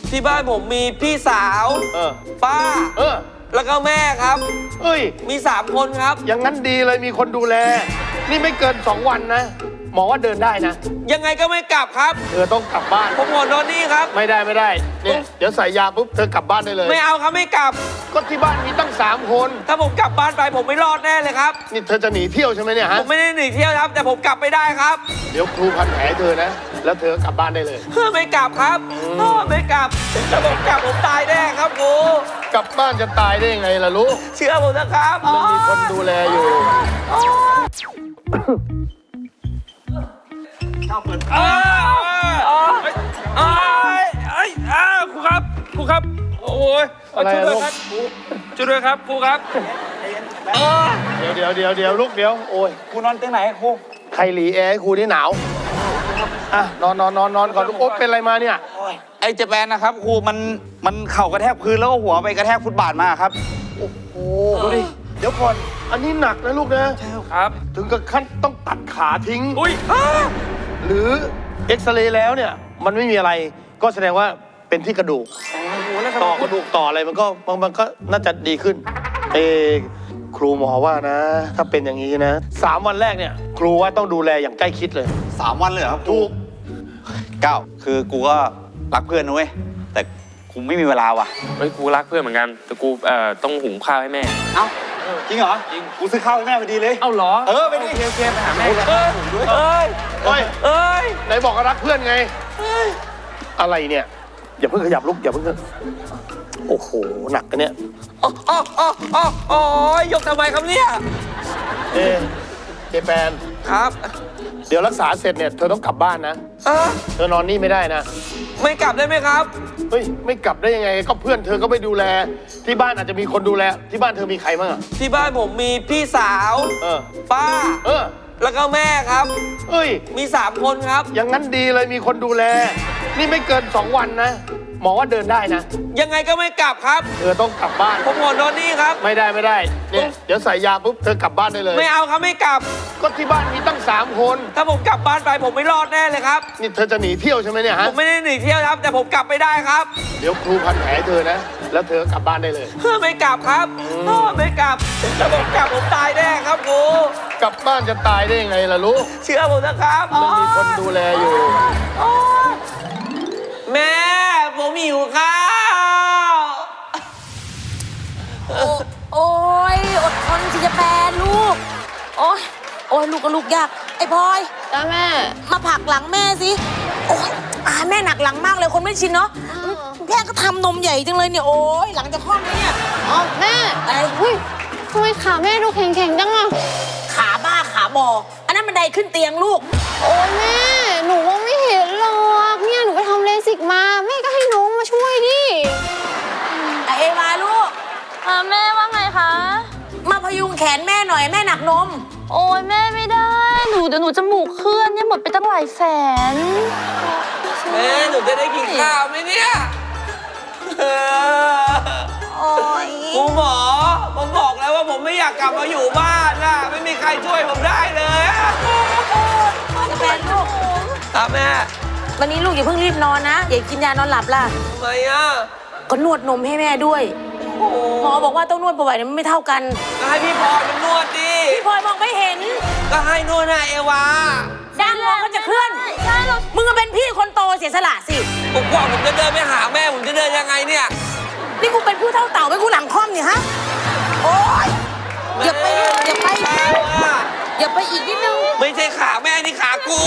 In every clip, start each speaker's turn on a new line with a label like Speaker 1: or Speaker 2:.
Speaker 1: ที่บ้านผมมีพี่สาวป้าแล้วก็แม่ครับมี3 คนครับ
Speaker 2: อย่างนั้นดีเลยมีคนดูแลนี่ไม่เกิน2 วันนะหมอว่าเดินได้นะ
Speaker 1: ยังไงก็ไม่กลับครับ
Speaker 2: เธอต้องกลับบ้าน
Speaker 1: ผมหัวนอนนี่ครับ
Speaker 2: ไม่ได้เนี่ยเดี๋ยวใส่ยาปุ๊บเธอกลับบ้านได้เลย
Speaker 1: ไม่เอาครับไม่กลับ
Speaker 2: ก็ที่บ้านมีตั้ง3 คน
Speaker 1: ถ้าผมกลับบ้านไปผมไม่รอดแน่เลยครับ
Speaker 2: นี่เธอจะหนีเที่ยวใช่ไหมเนี่ยฮะ
Speaker 1: ผมไม่ได้หนีเที่ยวครับแต่ผมกลับไม่ได้ครับ
Speaker 2: เดี๋ยวครูพันแผลเธอนะแล้วเธอกลับบ้านได้เลย
Speaker 1: ไม่กลับครับไม่กลับถ้าผมกลับผมตายแน่ครับครู
Speaker 2: กลับบ้านจะตายได้ยังไงล่ะลูก
Speaker 1: เชื่อผมนะครับ
Speaker 2: มันมีคนดูแลอยู่
Speaker 1: ครูครับโอ้ยช่วยด้วยครับช่วยด้วยครับครูครับ
Speaker 2: เดี๋ยวลูกเดี๋ยวโอ้ย
Speaker 1: ครูนอนเตียงไหนครู
Speaker 2: ใครหลีแอร์ให้ครูนี่หนาวนอนก่อนลูกโอ๊บเป็นอะไรมาเนี่ย
Speaker 1: ไอ้เจแปนนะครับครูมันเข่ากระแทกพื้นแล้วก็หัวไปกระแทกฟุตบาทมาครับ
Speaker 2: โอ้โหดูดิเดี๋ยวก่อนอันนี้หนักนะลูกนะ
Speaker 1: ใช่ครับ
Speaker 2: ถึงกับขั้นต้องตัดขาทิ้งหรือเอ็กซเรย์แล้วเนี่ยมันไม่มีอะไรก็แสดงว่าเป็นที่กระดูกต่อกระดูกต่ออะไรมันก็น่าจะดีขึ้นครูหมอว่านะถ้าเป็นอย่างนี้นะ3 วันแรกเนี่ยครูว่าต้องดูแลอย่างใกล้ชิดเลย
Speaker 1: 3 วันเลยครับ
Speaker 2: ถูก
Speaker 1: 9คือกูก็รักเพื่อนนะเว้ยแต่กูไม่มีเวลาว่ะ
Speaker 3: กูรักเพื่อนเหมือนกันแต่กูต้องหุงข้าวให้แม่
Speaker 1: เอ้าจริงเหรอจริงกูซื้อข้าวให้แม่พอดีเลย
Speaker 3: เอ้าเหรอ
Speaker 1: ไปดิ
Speaker 3: โอเคไปหาแม่
Speaker 1: หุงด้วย
Speaker 2: ไหนบอกว่ารักเพื่อนไงอะไรเนี่ยอย่าเพิ่งขยับลุกอย่าเพิ่งโอ้โหหนักกันเนี่ย
Speaker 1: ยกทำไมครับเนี่ย
Speaker 2: เจแปน
Speaker 1: ครับ
Speaker 2: เดี๋ยวรักษาเสร็จเนี่ยเธอต้องกลับบ้านนะเธอนอนนี่ไม่ได้นะ
Speaker 1: ไม่กลับได้ไหมครับ
Speaker 2: เฮ้ยไม่กลับได้ยังไงก็เพื่อนเธอก็ไม่ดูแลที่บ้านอาจจะมีคนดูแลที่บ้านเธอมีใครบ้าง
Speaker 1: ที่บ้านผมมีพี่สาวป้าแล้วก็แม่ครับมี3 คนครับ
Speaker 2: อย่างนั้นดีเลยมีคนดูแลนี่ไม่เกิน2 วันนะหมอว่าเดินได้นะ
Speaker 1: ยังไงก็ไม่กลับครับ
Speaker 2: เธอต้องกลับบ้าน
Speaker 1: ผมหัวนอนนี่ครับ
Speaker 2: ไม่ได้เนี่ยเดี๋ยวใส่ยาปุ๊บเธอกลับบ้านได้เลย
Speaker 1: ไม่เอาครับไม่กลับ
Speaker 2: ก็ที่บ้านมีตั้ง3 คน
Speaker 1: ถ้าผมกลับบ้านไปผมไม่รอดแน่เลยครับ
Speaker 2: นี่เธอจะหนีเที่ยวใช่ไหมเนี่ยฮะ
Speaker 1: ผมไม่ได้หนีเที่ยวครับแต่ผมกลับไม่ได้ครับ
Speaker 2: เดี๋ยวครูพันแผลเธอนะแล้วเธอกลับบ้านได้เลย
Speaker 1: ไม่กลับครับไม่กลับถ้าผมกลับผมตายแน่ครับครู
Speaker 2: กลับบ้านจะตายได้ยังไงล่ะลูก
Speaker 1: เชื่อผมนะครับ
Speaker 2: มันมีคนดูแลอยู่
Speaker 1: แม่ผมหิวข้าว
Speaker 4: โอ้ยอดทนสิจะแปรลูกโอ้ยลูกก็ลูกยากไอ้พลอย
Speaker 5: จ้าแม่
Speaker 4: มาผลักหลังแม่สิโอ้ยแม่หนักหลังมากเลยคนไม่ชินเนาะแม่ก็ทำนมใหญ่จังเลยเนี่ยโอ้ยหลังจะคลอดเนี่ย
Speaker 5: แม่อะไรทำไมขาแม่ดูแข็งๆจังอะ
Speaker 4: ขาบ้าขาบออันนั้นบันไดขึ้นเตียงลูก
Speaker 5: โอ้ยแม่หนูว่าไม่เห็นหรอกเนี่ยหนูไปทำเลสิกมาแม่ก็ให้น้องมาช่วยดิ
Speaker 4: เอวาลูก
Speaker 5: แม่ว่าไงคะ
Speaker 4: มาพยุงแขนแม่หน่อยแม่หนักนม
Speaker 5: โอ้ยแม่ไม่ได้เดี๋ยวหนูจมูกเคลื่อนเนี่ยหมดไปตั้งหลายแสน
Speaker 1: แม่หนูจะได้กินข้าวไหมเนี่ยคุณหมอผมบอกแล้วว่าผมไม่อยากกลับมาอยู่บ้านนะไม่มีใครช่วยผมได้เลย
Speaker 4: จะแปนลูก
Speaker 1: แม่
Speaker 4: วันนี้ลูกอย่าเพิ่งรีบนอนนะอย่ากินยานอนหลับล่ะ
Speaker 1: ทำไม
Speaker 4: ก็นวดนมให้แม่ด้วยหมอบอกว่าต้องนวดบ่อยๆมันไม่เท่ากัน
Speaker 1: ก็ให้พี่พลอยมันนวดดิ
Speaker 4: พี่พลอยมองไม่เห็น
Speaker 1: ก็ให้นวดนะเอวา
Speaker 4: ด้านมองเขาจะเคลื่อนมึงก็เป็นพี่คนโตเสียสละสิ
Speaker 1: ผมกว่าผมจะเดินไปหาแม่ผมจะเดินยังไงเนี่ย
Speaker 4: นี่กูเป็นผู้เท่าเต่าไม่กูหลังค่อมเนี่ยฮะโอ๊ยอย่าไปอีกนิดนึง
Speaker 1: ไม่ใช่ขาแม่นี่ขากู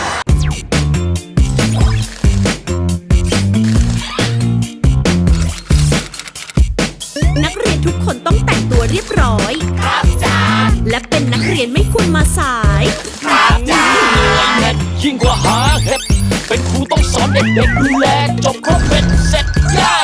Speaker 6: นักเรียนทุกคนต้องแต่งตัวเรียบร้อยครับจ้าและเป็นนักเรียนไม่ควรมาสายครับจ้า
Speaker 7: ยิ่งกว่าหาเห็ดเป็นครูต้องสอนเด็กๆดูแลจบครบเป็นเสร็จย่า